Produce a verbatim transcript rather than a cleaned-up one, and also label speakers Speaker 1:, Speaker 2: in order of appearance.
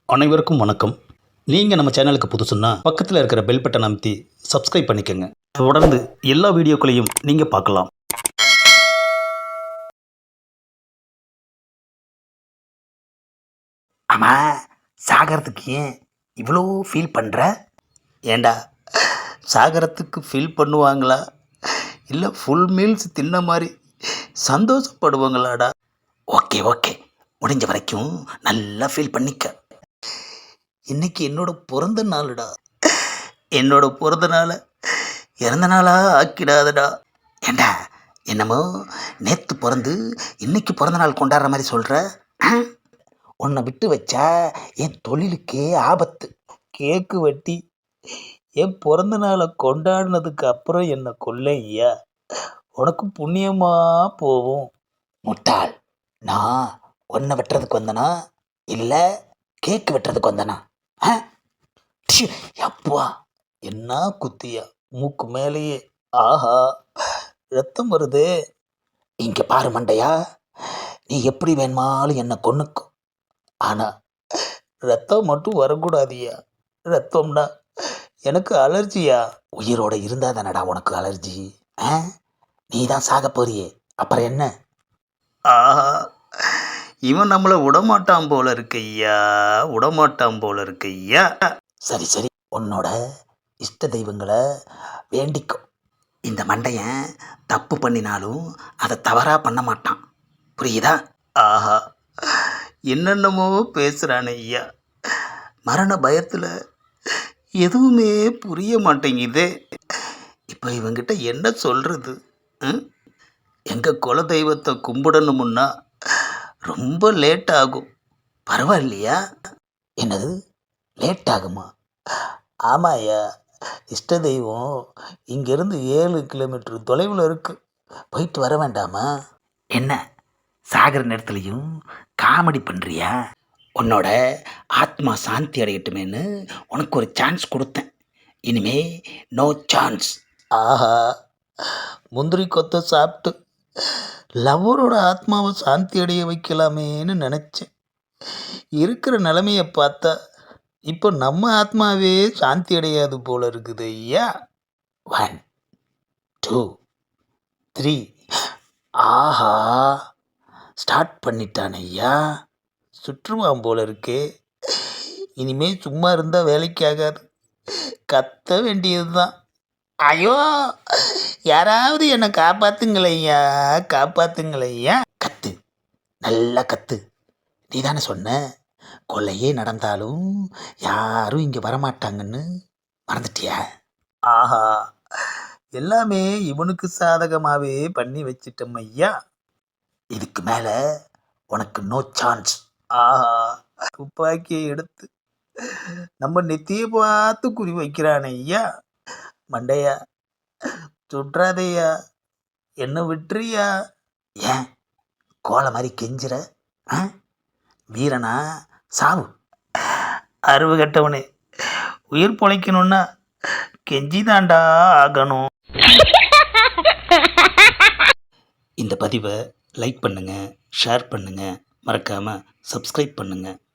Speaker 1: அனைவருக்கும் வணக்கம். நீங்கள் நம்ம சேனலுக்கு புதுசுன்னா பக்கத்தில் இருக்கிற பெல் பட்டன் அமைத்தி சப்ஸ்கிரைப் பண்ணிக்கோங்க. தொடர்ந்து எல்லா வீடியோக்களையும் நீங்கள் பார்க்கலாம்.
Speaker 2: ஆமாம், சாகரத்துக்கு ஏன் இவ்வளோ ஃபீல் பண்ணுற?
Speaker 1: ஏண்டா, சாகரத்துக்கு ஃபீல் பண்ணுவாங்களா இல்லை ஃபுல் மீல்ஸ் தின்ன மாதிரி சந்தோஷப்படுவாங்களாடா?
Speaker 2: ஓகே ஓகே, முடிஞ்ச வரைக்கும் நல்லா ஃபீல் பண்ணிக்க.
Speaker 1: இன்னைக்கு என்னோட பிறந்த நாளுடா. என்னோட பிறந்த நாளை இறந்த நாளாக ஆக்கிடாதடா.
Speaker 2: ஏண்டா, என்னமோ நேற்று பிறந்து இன்னைக்கு பிறந்த நாள் கொண்டாடுற மாதிரி சொல்கிற? உன்னை விட்டு வச்சா என் தொழிலுக்கே ஆபத்து.
Speaker 1: கேக்கு வெட்டி என் பிறந்த நாளை கொண்டாடினதுக்கு அப்புறம் என்னை கொல்லையா, உனக்கு புண்ணியமாக போகும்.
Speaker 2: முட்டாள், நான் உன்னை வெட்டுறதுக்கு வந்தனா இல்லை கேக்கு வெட்டுறதுக்கு வந்தனா? ஆ ப்ஷு, அப்பா,
Speaker 1: என்ன குத்தியா மூக்கு மேலேயே. ஆஹா, ரத்தம் வருதே.
Speaker 2: இங்கே பாரு மண்டையா, நீ எப்படி வேணுமாலும் என்னை கொன்னுக்கும்.
Speaker 1: ஆனால் ரத்தம் மட்டும் வரக்கூடாதியா. ரத்தம்னா எனக்கு அலர்ஜியா.
Speaker 2: உயிரோட இருந்தால் தானடா உனக்கு அலர்ஜி. ஆ நீ தான் சாக போறியே, அப்புறம் என்ன?
Speaker 1: ஆஹா, இவன் நம்மளை விடமாட்டான் போல இருக்கையா, விடமாட்டான் போல இருக்கையா.
Speaker 2: சரி சரி, உன்னோட இஷ்ட தெய்வங்களை வேண்டிக்கும். இந்த மண்டையன் தப்பு பண்ணினாலும் அதை தவறாக பண்ண மாட்டான், புரியுதா?
Speaker 1: ஆஹா, என்னென்னமோ பேசுகிறான் ஐயா. மரண பயத்தில் எதுவுமே புரிய மாட்டேங்குது. இப்போ இவங்கிட்ட என்ன சொல்கிறது? எங்கள் குல தெய்வத்தை கும்பிடணுமுன்னா ரொம்ப லேட் ஆகும். பரவாயில்லையா?
Speaker 2: என்னது லேட் ஆகுமா?
Speaker 1: ஆமாய்யா, இஷ்ட தெய்வம் இங்கேருந்து ஏழு கிலோமீட்டர் தொலைவில் இருக்குது.
Speaker 2: போயிட்டு வர வேண்டாமா? என்ன சாகிற நேரத்துலையும் காமெடி பண்ணுறியா? உன்னோட ஆத்மா சாந்தி அடையட்டுமேன்னு உனக்கு ஒரு சான்ஸ் கொடுத்தேன். இனிமே நோ சான்ஸ்.
Speaker 1: ஆஹா, முந்திரி கொத்தை சாப்பிட்டு லவ்வரோட ஆத்மாவை சாந்தி அடைய வைக்கலாமேன்னு நினச்சேன். இருக்கிற நிலைமையை பார்த்தா இப்போ நம்ம ஆத்மாவே சாந்தி அடையாது போல இருக்குது ஐயா.
Speaker 2: One two
Speaker 1: three.
Speaker 2: ஆஹா, ஸ்டார்ட் பண்ணிட்டான் ஐயா.
Speaker 1: சுற்றுவான் போல இருக்கே. இனிமே சும்மா இருந்தால் வேலைக்கு ஆகாது, கத்த வேண்டியது தான். ஐயோ, யாராவது என்னை காப்பாத்துங்களையா, காப்பாத்துங்களையா.
Speaker 2: கத்து, நல்லா கத்து. நீ தானே சொன்ன கொலையே நடந்தாலும் யாரும் இங்கே வரமாட்டாங்கன்னு, மறந்துட்டியா?
Speaker 1: ஆஹா, எல்லாமே இவனுக்கு சாதகமாகவே பண்ணி வச்சிட்டோம் ஐயா.
Speaker 2: இதுக்கு மேலே உனக்கு நோ சான்ஸ்.
Speaker 1: ஆஹா, துப்பாக்கியை எடுத்து நம்ம நெத்தியை பார்த்து குறி வைக்கிறானே ஐயா. மண்டையா, சுற்றாதையா, என்ன விட்டுறியா?
Speaker 2: ஏன் கோலை மாதிரி கெஞ்சுற? ஆ வீரனா சாவு.
Speaker 1: அறிவு கட்டவனே, உயிர் பொழைக்கணும்னா கெஞ்சி தாண்டா ஆகணும். இந்த பதிவை லைக் பண்ணுங்கள், ஷேர் பண்ணுங்கள், மறக்காமல் சப்ஸ்கிரைப் பண்ணுங்கள்.